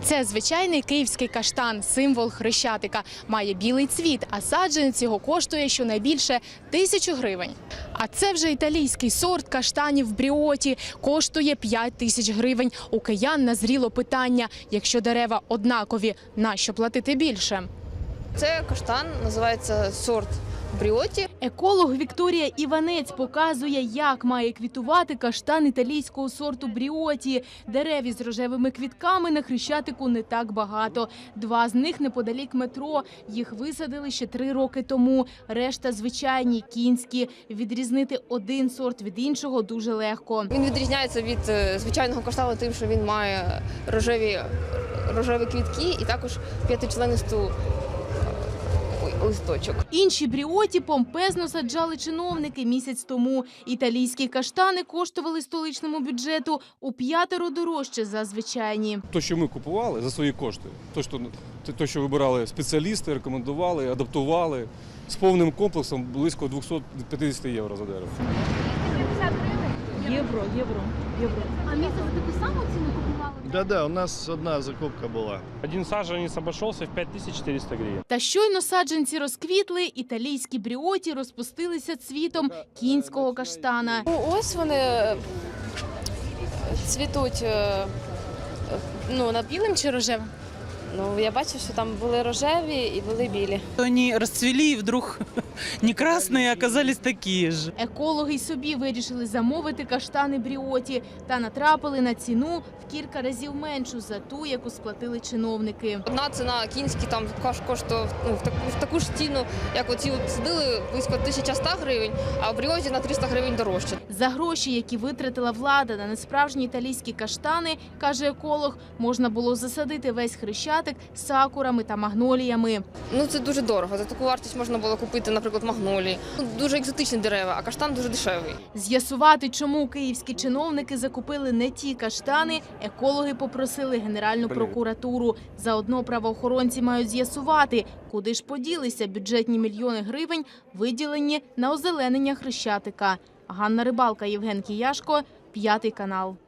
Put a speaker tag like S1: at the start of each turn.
S1: Це звичайний київський каштан, символ Хрещатика. Має білий цвіт, а саджанець його коштує щонайбільше 1000 гривень. А це вже італійський сорт каштанів Бріоті. Коштує 5000 гривень. У киян назріло питання, якщо дерева однакові, нащо платити більше?
S2: Це каштан, називається сорт Бріоті.
S1: Еколог Вікторія Іванець показує, як має квітувати каштан італійського сорту Бріоті. Дерев із рожевими квітками на Хрещатику не так багато. 2 з них неподалік метро. Їх висадили ще 3 роки тому. Решта звичайні, кінські. Відрізнити один сорт від іншого дуже легко.
S2: Він відрізняється від звичайного каштану тим, що він має рожеві квітки і також 5-членисту листочок.
S1: Інші Бріоті помпезно саджали чиновники місяць тому. Італійські каштани коштували столичному бюджету у 5 дорожче за звичайні.
S3: Те, що ми купували за свої кошти, те, що вибирали спеціалісти, рекомендували, адаптували, з повним комплексом близько 250 євро за дерево.
S1: 50 гривень? Євро. А місце за таку саму ціну купували?
S4: Да, у нас одна закупка була.
S5: Один саженец обошелся в 5400 гривен.
S1: Та щойно саджанці розквітли, італійські Бріоті розпустилися цвітом кінського каштана.
S2: Ось вони цвітуть.
S1: На білим чи рожевим?
S2: Я бачу, що там були рожеві і були білі.
S6: Они расцвели, и вдруг не красные, а оказались такие же.
S1: Екологи й собі вирішили замовити каштани Бріоті та натрапили на ціну в кілька разів меншу за ту, яку сплатили чиновники.
S2: Одна ціна кінські там коштує в таку ж ціну, як оці садили, близько 1100 гривень, а в Бріоті на 300 гривень дорожче.
S1: За гроші, які витратила влада на несправжні італійські каштани, каже еколог, можна було засадити весь Хрещатик сакурами та магноліями.
S2: Це дуже дорого. За таку вартість можна було купити, наприклад, магнолії. Дуже екзотичні дерева, а каштан дуже дешевий.
S1: З'ясувати, чому київські чиновники закупили не ті каштани, екологи попросили Генеральну прокуратуру. Заодно правоохоронці мають з'ясувати, куди ж поділися бюджетні мільйони гривень, виділені на озеленення Хрещатика. Ганна Рибалка, Євген Кияшко, 5 канал.